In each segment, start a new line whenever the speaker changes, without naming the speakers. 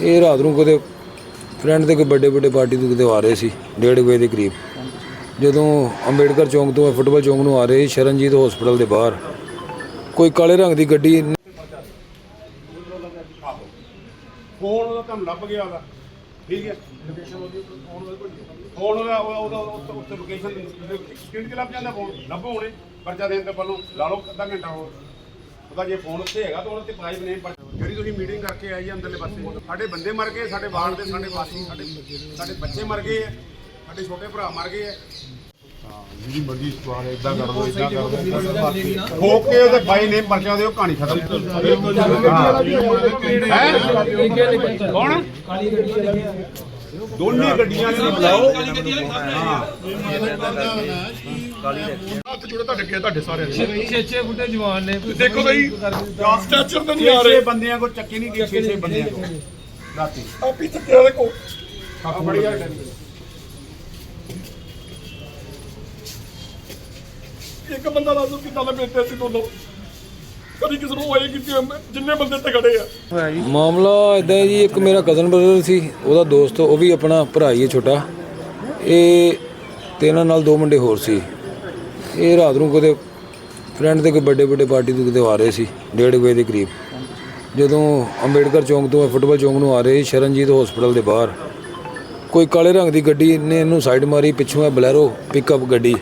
ਇਹ ਰਾਤ ਨੂੰ ਕਿਤੇ ਫਰੈਂਡ ਦੇ ਕੋਈ ਵੱਡੇ ਪਾਰਟੀ ਤੋਂ ਕਿਤੇ ਆ ਰਹੇ ਸੀ 1:30 ਵਜੇ ਦੇ ਕਰੀਬ। ਜਦੋਂ ਅੰਬੇਡਕਰ ਚੌਂਕ ਤੋਂ ਫੁੱਟਬਾਲ ਚੌਂਕ ਨੂੰ ਆ ਰਹੇ ਸ਼ਰਨਜੀਤ ਹਸਪੀਟਲ ਦੇ ਬਾਹਰ ਕੋਈ ਕਾਲੇ ਰੰਗ ਦੀ ਗੱਡੀ
ਫੋਨ ਉਹਦਾ ਤੁਹਾਨੂੰ ਲੱਭ ਗਿਆ ਉਹਦਾ, ਠੀਕ ਹੈ, ਫੋਨ ਉਹਦਾ ਉੱਤੇ ਲੋਕੇਸ਼ਨ ਸਕਿੰਟ 'ਚ ਲੱਭ ਜਾਂਦਾ। ਫੋਨ ਲੱਭੋ ਹੁਣੇ ਪਰਚਾ ਦੇਣ ਤੋਂ ਪਹਿਲਾਂ ਲਾ ਲਓ ਅੱਧਾ ਘੰਟਾ ਹੋਰ। ਉਹਦਾ ਜੇ ਫੋਨ ਉੱਥੇ ਹੈਗਾ ਤਾਂ ਉਹਦੇ ਤੇ ਪਾਈਪ ਨੇ ਜਿਹੜੀ ਤੁਸੀਂ ਮੀਟਿੰਗ ਕਰਕੇ ਆਈ ਹੈ ਅੰਦਰਲੇ ਪਾਸੇ। ਸਾਡੇ ਬੰਦੇ ਮਰ ਗਏ, ਸਾਡੇ ਵਾਰਡ ਦੇ, ਸਾਡੇ ਵਾਸੀ, ਸਾਡੇ ਬੱਚੇ ਮਰ ਗਏ ਹੈ, ਸਾਡੇ ਛੋਟੇ ਭਰਾ ਮਰ ਗਏ ਹੈ। ਜਿਹੜੀ ਮਰਜ਼ੀ ਸਵਾਲ ਇਦਾਂ ਕਰ ਲਓ, ਇਦਾਂ ਕਰ ਲਓ, ਠੋਕ ਕੇ ਉਹਦੇ ਬਾਈ ਨੇਮ ਪਰਚਾ ਦਿਓ, ਕਹਾਣੀ ਖਤਮ। ਕੌਣ ਦੋਨੇ ਗੱਡੀਆਂ ਨੂੰ ਬੁਲਾਓ। ਹੱਥ ਜੁੜੇ ਤੁਹਾਡੇ ਸਾਰਿਆਂ ਦੇ
6 ਫੁੱਟੇ ਜਵਾਨ ਨੇ।
ਦੇਖੋ ਬਈ ਸਟੈਚਰ ਤਾਂ ਨਹੀਂ ਆ ਰਹੇ ਬੰਦਿਆਂ ਕੋਲ, ਚੱਕੇ ਨਹੀਂ ਗਏ 6 ਬੰਦਿਆਂ ਕੋਲ ਰਾਤੀ ਆਪੀ ਚੱਕਿਆ ਦੇਖੋ ਆ ਬੜੀ ਆ। ਇੱਕ ਬੰਦਾ ਦੱਸੋ ਕਿੱਦਾਂ ਦਾ ਬੇਟੇ ਸੀ ਦੋਨੋਂ, ਕਦੀ ਕਿਸੇ ਨੂੰ ਹੋਏ ਕਿ ਜਿੰਨੇ ਬੰਦੇ ਤੇ ਖੜੇ ਆ।
ਮਾਮਲਾ ਇਦਾਂ ਹੈ ਜੀ, ਇੱਕ ਮੇਰਾ ਕਜ਼ਨ ਬ੍ਰਦਰ ਸੀ, ਉਹਦਾ ਦੋਸਤ, ਉਹ ਵੀ ਆਪਣਾ ਭਰਾ ਹੀ ਹੈ ਛੋਟਾ। ਇਹ ਤੇ ਇਹਨਾਂ ਨਾਲ 2 ਮੁੰਡੇ ਹੋਰ ਸੀ। ਇਹ ਰਾਤ ਨੂੰ ਕਿਤੇ ਫਰੈਂਡ ਦੇ ਕੋਈ ਵੱਡੇ ਪਾਰਟੀ ਤੋਂ ਕਿਤੇ ਆ ਰਹੇ ਸੀ 1:30 ਵਜੇ ਦੇ ਕਰੀਬ। ਜਦੋਂ ਅੰਬੇਡਕਰ ਚੌਂਕ ਤੋਂ ਫੁੱਟਬਾਲ ਚੌਂਕ ਨੂੰ ਆ ਰਹੇ ਸ਼ਰਨਜੀਤ ਹਸਪੀਟਲ ਦੇ ਬਾਹਰ ਕੋਈ ਕਾਲੇ ਰੰਗ ਦੀ ਗੱਡੀ ਨੇ ਇਹਨੂੰ ਸਾਈਡ ਮਾਰੀ। ਪਿੱਛੋਂ ਹੈ ਬਲੈਰੋ ਪਿਕਅਪ ਗੱਡੀ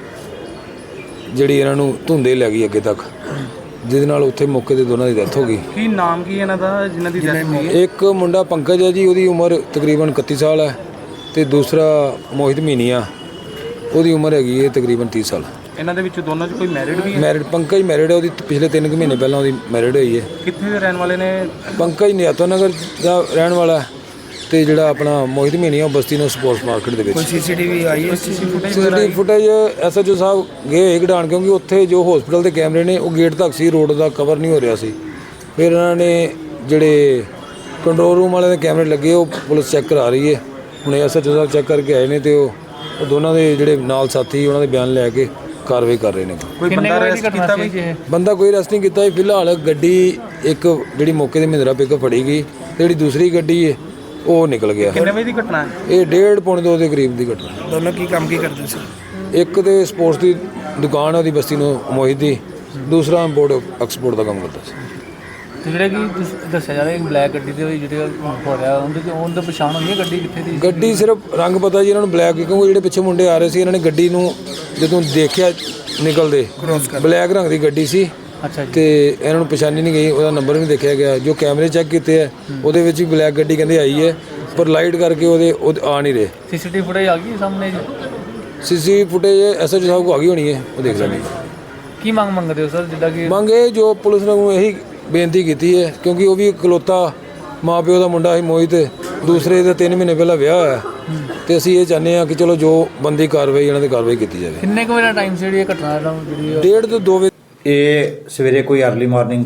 ਜਿਹੜੀ ਇਹਨਾਂ ਨੂੰ ਧੁੰਦੇ ਲੈ ਗਈ ਅੱਗੇ ਤੱਕ, ਜਿਹਦੇ ਨਾਲ ਉੱਥੇ ਮੌਕੇ ਤੇ ਦੋਨਾਂ ਦੀ ਡੈਥ ਹੋ ਗਈ।
ਕੀ ਨਾਮ ਕੀ ਇਹਨਾਂ ਦਾ ਜਿਨ੍ਹਾਂ ਦੀ ਡੈਥ ਹੋਈ ਹੈ?
ਇੱਕ ਮੁੰਡਾ ਪੰਕਜ ਹੈ ਜੀ, ਉਹਦੀ ਉਮਰ ਤਕਰੀਬਨ 31 ਸਾਲ ਹੈ, ਤੇ ਦੂਸਰਾ ਮੋਹਿਤ ਮੀਨੀਆ, ਉਹਦੀ ਉਮਰ ਹੈਗੀ ਹੈ ਤਕਰੀਬਨ 30 ਸਾਲ।
ਇਹਨਾਂ ਦੇ ਵਿੱਚ ਦੋਨਾਂ 'ਚ ਕੋਈ ਮੈਰਿਡ ਵੀ ਹੈ?
ਮੈਰਿਡ ਪੰਕਜ ਮੈਰਿਡ ਹੈ, ਉਹਦੀ ਪਿਛਲੇ 3 ਮਹੀਨੇ ਪਹਿਲਾਂ ਉਹਦੀ ਮੈਰਿਡ ਹੋਈ ਹੈ।
ਕਿੱਥੇ ਦੇ ਰਹਿਣ ਵਾਲੇ ਨੇ?
ਪੰਕਜ ਨਿਆਤੋ ਨਗਰ ਦਾ ਰਹਿਣ ਵਾਲਾ ਹੈ, ਤੇ ਜਿਹੜਾ ਆਪਣਾ ਮੋਹਿਤ ਮੀਨੀਆ ਉਹ ਬਸਤੀ ਨੂੰ ਸਪੋਰਟਸ ਮਾਰਕੀਟ ਦੇ ਵਿੱਚ।
ਕੋਈ ਸੀਸੀਟੀਵੀ ਆਈ ਹੈ?
ਸੀਸੀਟੀਵੀ ਫੁਟੇਜ ਐਸਐਚਓ ਸਾਹਿਬ ਗਏ ਹੋਏ ਕਢਾਉਣ, ਕਿਉਂਕਿ ਉੱਥੇ ਜੋ ਹਸਪੀਟਲ ਦੇ ਕੈਮਰੇ ਨੇ ਉਹ ਗੇਟ ਤੱਕ ਸੀ, ਰੋਡ ਦਾ ਕਵਰ ਨਹੀਂ ਹੋ ਰਿਹਾ ਸੀ। ਫਿਰ ਇਹਨਾਂ ਨੇ ਜਿਹੜੇ ਕੰਟਰੋਲ ਰੂਮ ਵਾਲੇ ਦੇ ਕੈਮਰੇ ਲੱਗੇ ਉਹ ਪੁਲਿਸ ਚੈੱਕ ਕਰਾ ਰਹੀ ਹੈ। ਹੁਣ ਐਸਐਚਓ ਸਾਹਿਬ ਚੈੱਕ ਕਰਕੇ ਆਏ ਨੇ, ਤੇ ਉਹ ਦੋਨਾਂ ਦੇ ਜਿਹੜੇ ਨਾਲ ਸਾਥੀ ਉਹਨਾਂ ਦੇ ਬਿਆਨ ਲੈ ਕੇ ਕਾਰਵਾਈ ਕਰ ਰਹੇ ਨੇ।
ਕੋਈ ਬੰਦਾ ਅਰੈਸਟ ਕੀਤਾ ਬਈ?
ਬੰਦਾ ਕੋਈ ਅਰੈਸਟ ਨਹੀਂ ਕੀਤਾ। ਫਿਲਹਾਲ ਗੱਡੀ ਇੱਕ ਜਿਹੜੀ ਮੌਕੇ ਤੇ ਮਹਿੰਦਰਾ ਪਿਕਅਪ ਫੜੀ ਗਈ, ਜਿਹੜੀ ਦੂਸਰੀ ਗੱਡੀ ਹੈ ਉਹ ਨਿਕਲ ਗਿਆ।
ਕਿੰਨੇ ਵਜੇ ਦੀ ਘਟਨਾ ਹੈ
ਇਹ 1:30 ਪੌਣੇ 2 ਦੇ ਕਰੀਬ ਦੀ ਘਟਨਾ।
ਦੋਨੋਂ ਕੀ ਕੰਮ ਕਰਦੇ ਸੀ?
ਇੱਕ ਤੇ ਸਪੋਰਟਸ ਦੀ ਦੁਕਾਨ ਉਹਦੀ ਬਸਤੀ ਨੂੰ ਮੋਹਿਤ ਦੀ, ਦੂਸਰਾ ਇੰਪੋਰਟ ਐਕਸਪੋਰਟ ਦਾ ਕੰਮ ਕਰਦਾ ਸੀ।
ਤੇ ਜਿਹੜੇ ਕਿ ਦੱਸਿਆ ਜਾ ਰਿਹਾ ਬਲੈਕ ਗੱਡੀ ਦੇ ਜਿਹੜੇ ਹੋ ਰਿਹਾ ਉਹਦੇ ਪਛਾਣ ਹੋਈ ਹੈ ਗੱਡੀ ਕਿੱਥੇ ਦੀ?
ਗੱਡੀ ਸਿਰਫ ਰੰਗ ਪਤਾ ਜੀ ਇਹਨਾਂ ਨੂੰ ਬਲੈਕ, ਕਿਉਂਕਿ ਜਿਹੜੇ ਪਿੱਛੇ ਮੁੰਡੇ ਆ ਰਹੇ ਸੀ ਇਹਨਾਂ ਨੇ ਗੱਡੀ ਨੂੰ ਜਦੋਂ ਦੇਖਿਆ ਨਿਕਲਦੇ, ਬਲੈਕ ਰੰਗ ਦੀ ਗੱਡੀ ਸੀ।
ਅੱਛਾ ਜੀ।
ਤੇ ਇਹਨਾਂ ਨੂੰ ਪਛਾਣੀ ਨਹੀਂ ਗਈ, ਉਹਦਾ ਨੰਬਰ ਵੀ ਦੇਖਿਆ ਗਿਆ। ਜੋ ਕੈਮਰੇ ਚੈੱਕ ਕੀਤੇ ਹੈ ਉਹਦੇ ਵਿੱਚ ਵੀ ਬਲੈਕ ਗੱਡੀ ਕਹਿੰਦੇ ਆਈ ਹੈ, ਪਰ ਲਾਈਟ ਕਰਕੇ ਉਹਦੇ ਆ ਨਹੀਂ ਰਹੇ।
ਸੀਸੀਟੀਵੀ ਫੁਟੇਜ ਆ ਗਈ ਸਾਹਮਣੇ ਜੀ?
ਸੀਸੀਟੀਵੀ ਫੁਟੇਜ ਐਸਐਚਓ ਸਾਹਿਬ ਕੋ ਆ ਗਈ ਹੋਣੀ ਹੈ, ਉਹ ਦੇਖ ਲੈਣਗੇ।
ਕੀ ਮੰਗਦੇ ਹੋ ਸਰ? ਜਿੱਦਾਂ ਕਿ
ਮੰਗ ਇਹ ਜੋ ਪੁਲਿਸ ਨੂੰ ਇਹੀ ਬੇਨਤੀ ਕੀਤੀ ਹੈ, ਕਿਉਂਕਿ ਉਹ ਵੀ ਇਕਲੌਤਾ ਮਾਂ ਪਿਓ ਦਾ ਮੁੰਡਾ ਸੀ ਮੋਹਿਤ, ਦੂਸਰੇ ਦਾ 3 ਮਹੀਨੇ ਪਹਿਲਾਂ ਵਿਆਹ ਹੋਇਆ, ਤੇ ਅਸੀਂ ਇਹ ਚਾਹੁੰਦੇ ਹਾਂ ਕਿ ਚਲੋ ਜੋ ਬੰਦੀ ਕਾਰਵਾਈ ਇਹਨਾਂ 'ਤੇ ਕਾਰਵਾਈ ਕੀਤੀ ਜਾਵੇ।
ਕਿੰਨੇ ਕੁ ਵਜੇ ਟਾਈਮ ਸੀ ਜਿਹੜੀ ਇਹ ਘਟਨਾ ਜਿਹੜੀ
1:30 ਤੋਂ 2 ਵਜੇ?
ਇਹ ਸਵੇਰੇ ਕੋਈ ਅਰਲੀ ਮਾਰਨਿੰਗ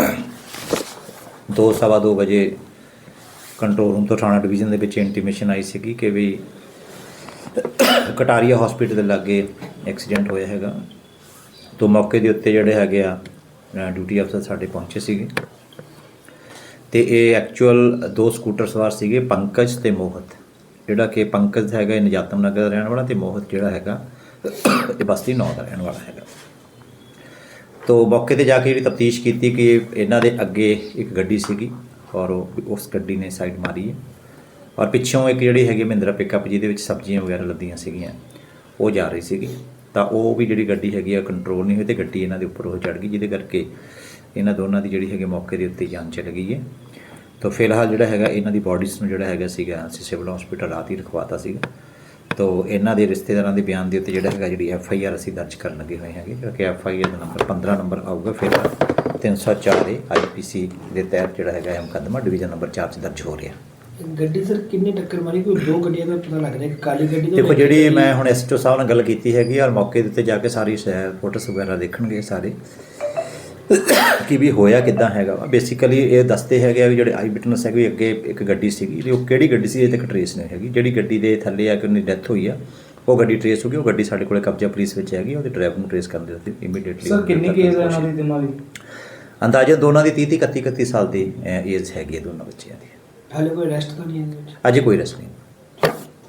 2:15 ਵਜੇ ਕੰਟਰੋਲ ਰੂਮ ਤੋਂ ਥਾਣਾ ਡਿਵੀਜ਼ਨ ਦੇ ਵਿੱਚ ਇੰਟੀਮੇਸ਼ਨ ਆਈ ਸੀਗੀ ਕਿ ਵੀ ਕਟਾਰੀਆ ਹਸਪੀਟਲ ਦੇ ਲਾਗੇ ਐਕਸੀਡੈਂਟ ਹੋਇਆ ਹੈਗਾ। ਤੋਂ ਮੌਕੇ ਦੇ ਉੱਤੇ ਜਿਹੜੇ ਹੈਗੇ ਆ ਡਿਊਟੀ ਅਫਸਰ ਸਾਡੇ ਪਹੁੰਚੇ ਸੀਗੇ, ਤੇ ਇਹ ਐਕਚੁਅਲ 2 ਸਕੂਟਰ ਸਵਾਰ ਸੀਗੇ, ਪੰਕਜ ਤੇ ਮੋਹਿਤ। ਜਿਹੜਾ ਕਿ ਪੰਕਜ ਹੈਗਾ ਇਹ ਨਜਾਤਮ ਨਗਰ ਦਾ ਰਹਿਣ ਵਾਲਾ, ਤੇ ਮੋਹਿਤ ਜਿਹੜਾ ਹੈਗਾ ਇਹ ਬਸਤੀ 9 ਦਾ ਰਹਿਣ ਵਾਲਾ ਹੈਗਾ। ਤੋ ਮੌਕੇ ਤੇ ਜਾ ਕੇ ਜਿਹੜੀ ਤਫਤੀਸ਼ ਕੀਤੀ ਕਿ ਇਹਨਾਂ ਦੇ ਅੱਗੇ ਇੱਕ ਗੱਡੀ ਸੀਗੀ, ਔਰ ਉਸ ਗੱਡੀ ਨੇ ਸਾਈਡ ਮਾਰੀ ਹੈ, ਔਰ ਪਿੱਛੋਂ ਇੱਕ ਜਿਹੜੀ ਹੈਗੀ ਮਹਿੰਦਰਾ ਪਿਕਅਪ ਜਿਹਦੇ ਵਿੱਚ ਸਬਜ਼ੀਆਂ ਵਗੈਰਾ ਲੱਦੀਆਂ ਸੀਗੀਆਂ ਉਹ ਜਾ ਰਹੀ ਸੀਗੀ। ਤਾਂ ਉਹ ਵੀ ਜਿਹੜੀ ਗੱਡੀ ਹੈਗੀ ਆ ਕੰਟਰੋਲ ਨਹੀਂ ਹੋਈ, ਤੇ ਗੱਡੀ ਇਹਨਾਂ ਦੇ ਉੱਪਰ ਉਹ ਚੜ੍ਹ ਗਈ, ਜਿਹਦੇ ਕਰਕੇ ਇਹਨਾਂ ਦੋਨਾਂ ਦੀ ਜਿਹੜੀ ਹੈਗੀ ਮੌਕੇ ਦੇ ਉੱਤੇ ਜਾਨ ਚਲੀ ਗਈ ਹੈ। ਤਾਂ ਫਿਲਹਾਲ ਜਿਹੜਾ ਹੈਗਾ ਇਹਨਾਂ ਦੀ ਬੋਡੀਜ਼ ਨੂੰ ਜਿਹੜਾ ਹੈਗਾ ਸੀਗਾ ਅਸੀਂ ਸਿਵਲ ਹਸਪੀਟਲ ਰਾਤ ਹੀ ਰਖਵਾਤਾ ਸੀਗਾ। ਤੋ ਇਹਨਾਂ ਦੇ ਰਿਸ਼ਤੇਦਾਰਾਂ ਦੇ ਬਿਆਨ ਦੇ ਉੱਤੇ ਜਿਹੜਾ ਹੈਗਾ ਜਿਹੜੀ FIR ਅਸੀਂ ਦਰਜ ਕਰਨ ਲੱਗੇ ਹੋਏ ਹੈਗੇ, ਕਿਉਂਕਿ FIR ਦਾ ਨੰਬਰ 15 ਨੰਬਰ ਆਊਗਾ। ਫਿਰ 304 IPC ਦੇ ਤਹਿਤ ਜਿਹੜਾ ਹੈਗਾ ਇਹ ਮੁਕੱਦਮਾ ਡਿਵੀਜ਼ਨ ਨੰਬਰ 4 'ਚ ਦਰਜ ਹੋ ਰਿਹਾ।
ਗੱਡੀ ਸਰ ਕਿੰਨੀ ਟੱਕਰ ਮਾਰੀ? ਕੋਈ 2 ਗੱਡੀਆਂ ਦਾ ਪਤਾ ਲੱਗ ਰਿਹਾ, ਇੱਕ ਕਾਲੀ ਗੱਡੀ
ਦੇਖੋ ਜਿਹੜੀ ਮੈਂ ਹੁਣ SHO ਸਾਹਿਬ ਨਾਲ ਗੱਲ ਕੀਤੀ ਹੈਗੀ, ਔਰ ਮੌਕੇ ਦੇ ਉੱਤੇ ਜਾ ਕੇ ਸਾਰੀ ਫੋਟੋਸ ਵਗੈਰਾ ਦੇਖਣਗੇ ਸਾਰੇ ਕਿ ਵੀ ਹੋਇਆ ਕਿੱਦਾਂ ਹੈਗਾ ਵਾ। ਬੇਸਿਕਲੀ ਇਹ ਦੱਸਦੇ ਹੈਗੇ ਆ ਵੀ ਜਿਹੜੇ ਆਈ ਵਿਟਨੈਸ ਹੈਗੇ ਅੱਗੇ ਇੱਕ ਗੱਡੀ ਸੀਗੀ, ਤੇ ਉਹ ਕਿਹੜੀ ਗੱਡੀ ਸੀ ਇਹ ਤੱਕ ਟਰੇਸ ਨਹੀਂ ਹੈਗੀ। ਜਿਹੜੀ ਗੱਡੀ ਦੇ ਥੱਲੇ ਆ ਕੇ ਉਹਦੀ ਡੈਥ ਹੋਈ ਆ ਉਹ ਗੱਡੀ ਟਰੇਸ ਹੋ ਗਈ, ਉਹ ਗੱਡੀ ਸਾਡੇ ਕੋਲੇ ਕਬਜ਼ਾ ਪੁਲਿਸ ਵਿੱਚ ਹੈਗੀ, ਉਹਦੇ ਡਰਾਈਵਰ ਨੂੰ ਟਰੇਸ ਕਰਨ ਦੇ ਇਮੀਡੀਏਟਲੀ।
ਸਰ ਕਿੰਨੀ ਕੇਸ ਹੈ ਇਹਨਾਂ ਦੀ ਦੋਨਾਂ ਦੀ?
ਅੰਦਾਜ਼ਾ ਦੋਨਾਂ ਦੀ 30-31 ਸਾਲ ਦੀ ਏਜ ਹੈਗੀ ਹੈ ਦੋਨਾਂ ਬੱਚਿਆਂ ਦੀ।
ਹਾਲੇ ਕੋਈ ਅਰੈਸਟ ਤਾਂ ਨਹੀਂ ਹੈ ਇਹਦੇ ਵਿੱਚ?
ਅਜੇ ਕੋਈ ਰਸਮ ਨਹੀਂ।